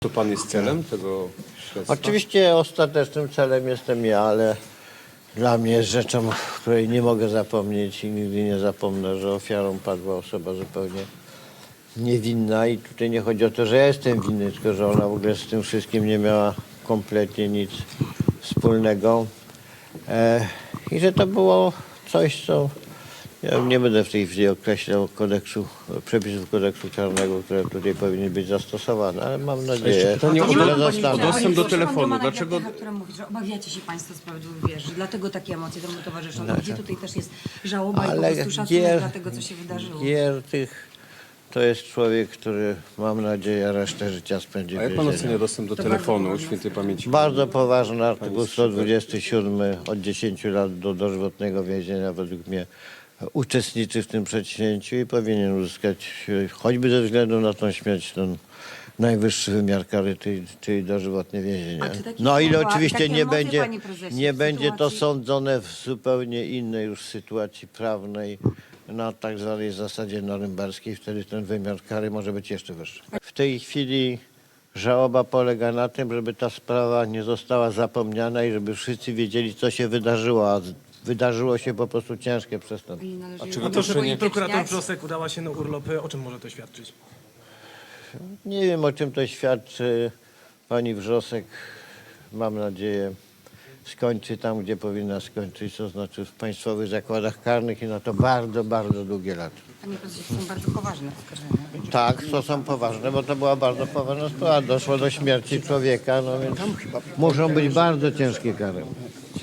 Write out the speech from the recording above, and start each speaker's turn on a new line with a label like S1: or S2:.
S1: To pan jest celem tego śledztwa?
S2: Oczywiście ostatecznym celem jestem ja, ale dla mnie jest rzeczą, której nie mogę zapomnieć i nigdy nie zapomnę, że ofiarą padła osoba zupełnie niewinna i tutaj nie chodzi o to, że ja jestem winny, tylko że ona w ogóle z tym wszystkim nie miała kompletnie nic wspólnego i że to było coś, co ja nie będę w tej chwili określał przepisów kodeksu karnego, które tutaj powinny być zastosowane, ale mam nadzieję,
S1: pytanie
S2: że zostaną.
S1: dostęp do telefonu. Dlaczego?
S3: Która mówi, że obawiacie się Państwo sprawiedliwej wierze, dlatego takie emocje temu towarzyszą. No, gdzie tutaj też jest żałoba i po
S2: Ale
S3: prostu szacunek dla tego, co się wydarzyło.
S2: Giertych to jest człowiek, który mam nadzieję resztę życia spędzi w
S1: A jak pan
S2: więzieniu.
S1: ocenia dostęp do
S3: To
S1: telefonu
S3: bardzo
S1: świętej pamięci?
S2: Bardzo poważny artykuł 127 od 10 lat do dożywotnego więzienia według mnie uczestniczy w tym przedsięwzięciu i powinien uzyskać choćby ze względu na tą śmierć ten najwyższy wymiar kary, czyli dożywotnie więzienie.
S3: A czy takie
S2: No ile
S3: słowa,
S2: oczywiście
S3: takie
S2: nie
S3: emocje,
S2: będzie,
S3: panie prezesie,
S2: nie
S3: w
S2: będzie to
S3: sytuacji-
S2: sądzone w zupełnie innej już sytuacji prawnej na tak zwanej zasadzie norymberskiej, wtedy ten wymiar kary może być jeszcze wyższy. W tej chwili żałoba polega na tym, żeby ta sprawa nie została zapomniana i żeby wszyscy wiedzieli, co się wydarzyło, a wydarzyło się po prostu ciężkie przestępstwo.
S3: I należy
S1: czy
S3: ją
S1: to, że
S4: Pani prokurator
S3: upolityczniać.
S4: Wrzosek udała się na urlop. O czym może to świadczyć?
S2: Nie wiem, o czym to świadczy. Pani Wrzosek, mam nadzieję, skończy tam, gdzie powinna skończyć, to znaczy w państwowych zakładach karnych i na to bardzo, bardzo długie lata.
S3: Panie prezesie, to są bardzo poważne oskarżenia.
S2: Tak, to są poważne, bo to była bardzo poważna sprawa. Doszło do śmierci człowieka, no więc muszą być bardzo ciężkie kary.